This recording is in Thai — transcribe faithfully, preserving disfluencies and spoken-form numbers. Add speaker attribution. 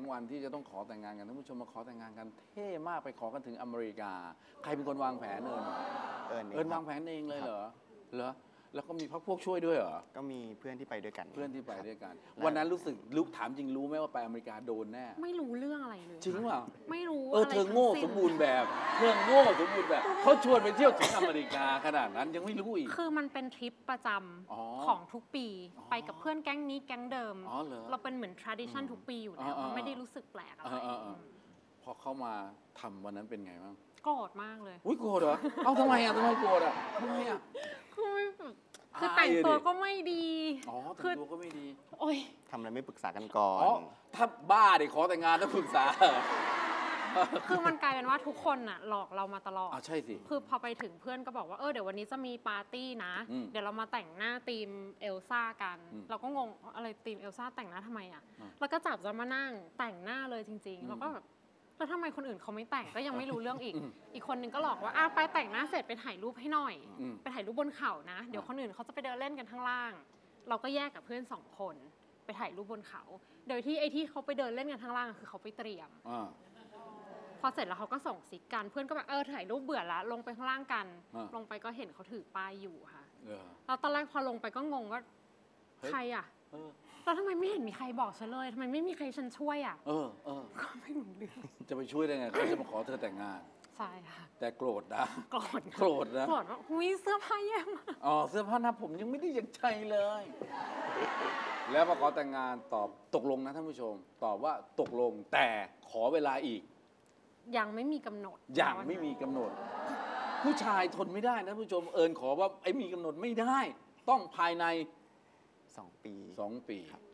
Speaker 1: วันที่จะต้องขอแต่งงานกันท่านผู้ชมมาขอแต่งงานกันเท่มากไปขอกันถึงอเมริกาใครเป็นคนวางแผนเอิญ
Speaker 2: เอิญ
Speaker 1: เอิญวางแผนเองเลยเหรอเหรอแล้วก็มีพักพวกช่วยด้วยเหรอ
Speaker 2: ก็มีเพื่อนที่ไปด้วยกัน
Speaker 1: เพื่อนที่ไปด้วยกันวันนั้นรู้สึกรู้ถามจริงรู้ไหมว่าไปอเมริกาโดนแน่
Speaker 3: ไม่รู้เรื่องอะไรเลย
Speaker 1: จริงเปล่า
Speaker 3: ไม่รู้
Speaker 1: เออเธอโง่สมบูรณ์แบบเธอโง่สมบูรณ์แบบเขาชวนไปเที่ยวถึงอเมริกาขนาดนั้นยังไม่รู้อีก
Speaker 3: คือมันเป็นทริปประจำของทุกปีไปกับเพื่อนแก๊งนี้แก๊งเดิมเราเป็นเหมือน tradition ทุกปีอยู่แล้วไม่ได้รู้สึกแปลกอะไร
Speaker 1: พอเข้ามาทำวันนั้นเป็นไงบ้าง
Speaker 3: โกรธมากเลย
Speaker 1: อุ้ยโกรธเหรอเอ้าทำไมอ่ะทำไมโกรธอ่ะทำไมอ่ะ
Speaker 3: คือแต่งตัวก็ไม่ดี
Speaker 1: อ๋อแต่งตัวก็ไม่ดี
Speaker 3: โอ้ย
Speaker 2: ทำอะไรไม่ปรึกษากันก่อน
Speaker 1: ถ้าบ้าเด็กขอแต่งงานต้องปรึกษา
Speaker 3: คือมันกลายเป็นว่าทุกคนน่ะหลอกเรามาตลอด
Speaker 1: อ๋อใช่สิ
Speaker 3: คือพอไปถึงเพื่อนก็บอกว่าเออเดี๋ยววันนี้จะมีปาร์ตี้นะเดี๋ยวเรามาแต่งหน้าธีมเอลซ่ากันเราก็งงอะไรธีมเอลซ่าแต่งหน้าทำไมอ่ะแล้วก็จับจะมานั่งแต่งหน้าเลยจริงๆแล้วก็แบบแล้วทำไมคนอื่นเขาไม่แต่งก็ยังไม่รู้เรื่องอีกอีกคนนึงก็หลอกว่าอ้าวไปแต่งหน้าเสร็จไปถ่ายรูปให้หน่อยไปถ่ายรูปบนเขานะเดี๋ยวคนอื่นเขาจะไปเดินเล่นกันข้างล่างเราก็แยกกับเพื่อนสองคนไปถ่ายรูปบนเขาโดยที่ไอ้ที่เขาไปเดินเล่นกันข้างล่างคือเขาไปเตรียมพอเสร็จแล้วเขาก็ส่งซิกกันเพื่อนก็แบบเออถ่ายรูปเบื่อละลงไปข้างล่างกันลงไปก็เห็นเขาถือป้ายอยู่ค่ะแล้วตอนแรกพอลงไปก็งงว่าใครอ่ะแล้วทำไมไม่เห็นมีใครบอกฉันเลยทำไมไม่มีใครฉันช่วยอ่ะ
Speaker 1: เออเออ
Speaker 3: ก็ไม่รู้เรื่อง
Speaker 1: จะไปช่วยได้ไงเขาจะมาขอเธอแต่งงาน
Speaker 3: ใช่ค่ะ
Speaker 1: แต่โกรธนะ
Speaker 3: โกรธ
Speaker 1: โกรธนะ
Speaker 3: โกรธว่าหุ้ยเสื้อผ้าแย่มาก
Speaker 1: อ๋อเสื้อผ้าหน้าผมยังไม่ได้อย่างใจเลยแล้วมาขอแต่งงานตอบตกลงนะท่านผู้ชมตอบว่าตกลงแต่ขอเวลาอีก
Speaker 3: ยังไม่มีกำหนด
Speaker 1: ยังไม่มีกำหนดผู้ชายทนไม่ได้นะท่านผู้ชมเอิญขอว่าไอ้มีกำหนดไม่ได้ต้องภายใน
Speaker 2: สองปี
Speaker 1: สองปี